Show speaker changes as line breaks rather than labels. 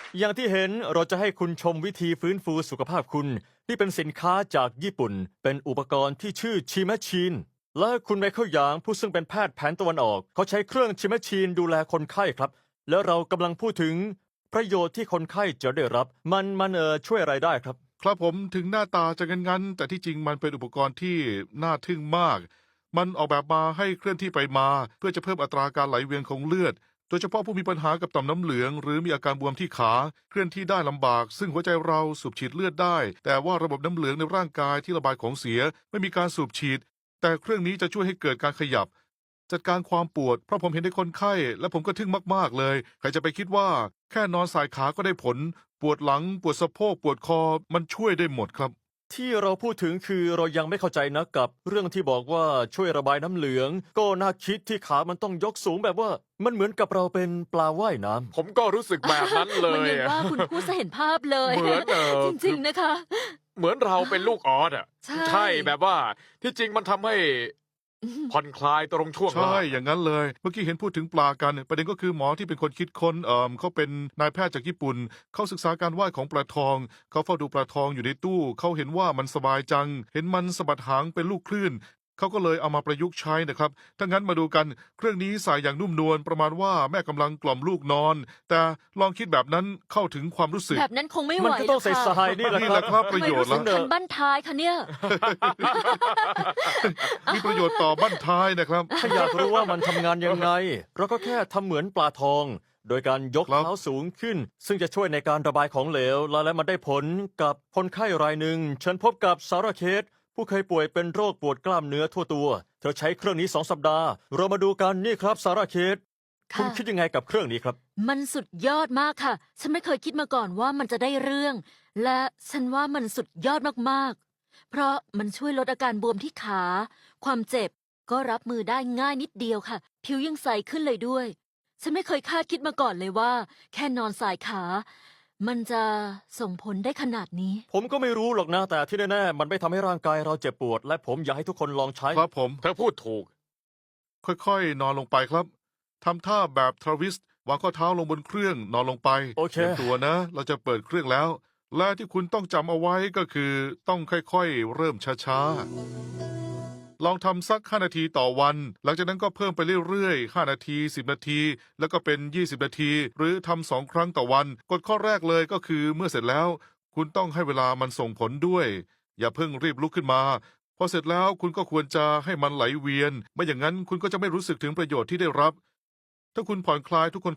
อย่างที่เห็นเราจะให้คุณชมวิธีฟื้นฟูสุขภาพคุณที่เป็นสินค้าจากญี่ปุ่นเป็นอุปกรณ์ที่ชื่อชิแมชชีนและคุณไมเคิลหยางผู้ซึ่งเป็นแพทย์แผนตะวันออกเขาใช้เครื่องชิแมชชีนดูแลคนไข้ครับแล้วเรากำลังพูดถึงประโยชน์ที่คนไข้จะได้รับมันช่วยอะไรได้ครับ
ครับผมถึงหน้าตาจะงั้นๆแต่ที่จริงมันเป็นอุปกรณ์ที่น่าทึ่งมาก มันออกแบบมาให้เคลื่อนที่ไปมาเพื่อจะเพิ่มอัตราการไหลเวียนของเลือด โดยเฉพาะผู้มีปัญหากับต่อมน้ำเหลืองหรือมีอาการบวมที่ขาเคลื่อนที่ได้ลำบากซึ่งหัวใจเราสูบฉีดเลือดได้แต่ว่าระบบน้ำเหลืองในร่างกายที่ระบายของเสียไม่มีการสูบฉีดแต่เครื่องนี้จะช่วยให้เกิดการขยับจัดการความปวดเพราะผมเห็นในคนไข้และผมก็ทึ่งมากๆเลยใครจะไปคิดว่าแค่นอนสายขาก็ได้ผลปวดหลังปวดสะโพกปวดคอมันช่วยได้หมดครับ
ที่เราพูดถึงคือเรายังไม่เข้าใจนะกับเรื่องที่บอกว่าช่วยระบายน้ำเหลืองก็น่าคิดที่ขามันต้องยกสูงแบบว่ามันเหมือนกับเราเป็นปลาว่ายน้ำ
ผมก็รู้สึกแบบนั้นเล
มัน
ย
ยัง
อะ
ว่าคุณพูดซะเห็นภาพเลย
เหมือน
จริงๆนะคะ
เหมือนเราเป็นลูกออสอ่ะ
ใช่
แบบว่าที่จริงมันทำให้ผ่อนคลายตรงช่วง
ใช่
ล่าง
อย่างนั้นเลย เมื่อกี้เห็นพูดถึงปลากัน ประเด็นก็คือหมอที่เป็นคนคิดค้นเขาเป็นนายแพทย์จากญี่ปุ่น เขาศึกษาการว่ายของปลาทอง เขาเฝ้าดูปลาทองอยู่ในตู้ เขาเห็นว่ามันสบายจัง เห็นมันสะบัดหางเป็นลูกคลื่น เขาก็เลยเอามาประยุกต์ใช้นะครับ ถ้างั้นมาดูกัน เครื่องนี้ใส่อย่างนุ่มนวล ประมาณว่าแม่กำลังกล่อมลูกนอน แต่ลองคิดแบบนั้นเข้าถึงความรู้สึก
แบบนั้นคงไม่ไหว
มันก็ต้องใส่
หรก
ท
ค่ะ
รายนี่แหละ
นี่
ค
แห
รับ
ละครับป
ทำ
ระ
ไม
โยช
รู้
น์
สึ
ละ
กคันบั้นท้ายคะเนี่ย
มีประโยชน์ต่อบั้นท้ายนะครับ
ถ้าอยากรู้ว่ามันทำงานยังไง เราก็แค่ทำเหมือนปลาทอง โดยการยก
ครับ
เท้าสูงขึ้น ซึ่งจะช่วยในการระบายของเหลว และมันได้ผลกับคนไข้รายหนึ่งฉันพบกับซาร่าเคสผู้เคยป่วยเป็นโรคปวดกล้ามเนื้อทั่วตัว เธอใช้เครื่องนี้2 สัปดาห์ เรามาดูกันนี่ครับซาร่าเคสคุณ
ค่ะ
คิดยังไงกับเครื่องนี้ครับ
มันสุดยอดมากค่ะ ฉันไม่เคยคิดมาก่อนว่ามันจะได้เรื่อง และฉันว่ามันสุดยอดมากๆ เพราะมันช่วยลดอาการบวมที่ขา ความเจ็บก็รับมือได้ง่ายนิดเดียวค่ะ ผิวยังใสขึ้นเลยด้วย ฉันไม่เคยคาดคิดมาก่อนเลยว่า แค่นอนสายขา มันจะส่งผลได้ขนาดนี้
ผมก็ไม่รู้หรอกนะแต่ที่แน่ๆมันไม่ทำให้ร่างกายเราเจ็บปวด และผมอยากให้ทุกคนลองใช้
ครับผม
เธอพูดถูก
ค่อยๆ นอนลงไปครับ ทำท่าแบบทรวิสต์วางข้อเท้าลงบนเครื่องนอนลงไป
โอเค
ตรียมตัวนะ เราจะเปิดเครื่องแล้ว และที่คุณต้องจำเอาไว้ก็คือต้องค่อยๆ เริ่มช้าๆ ลองทำสัก 5 นาทีต่อวัน หลังจากนั้นก็เพิ่มไปเรื่อยๆ 5 นาที 10 นาที แล้วก็เป็น 20 นาที หรือทำ2 ครั้งต่อวัน กฎข้อแรกเลยก็คือเมื่อเสร็จแล้ว คุณต้องให้เวลามันส่งผลด้วย อย่าเพิ่งรีบลุกขึ้นมา พอเสร็จแล้วคุณก็ควรจะให้มันไหลเวียน ไม่อย่างนั้นคุณก็จะไม่รู้สึกถึงประโยชน์ที่ได้รับ ถ้าคุณผ่อนคลายทุกคน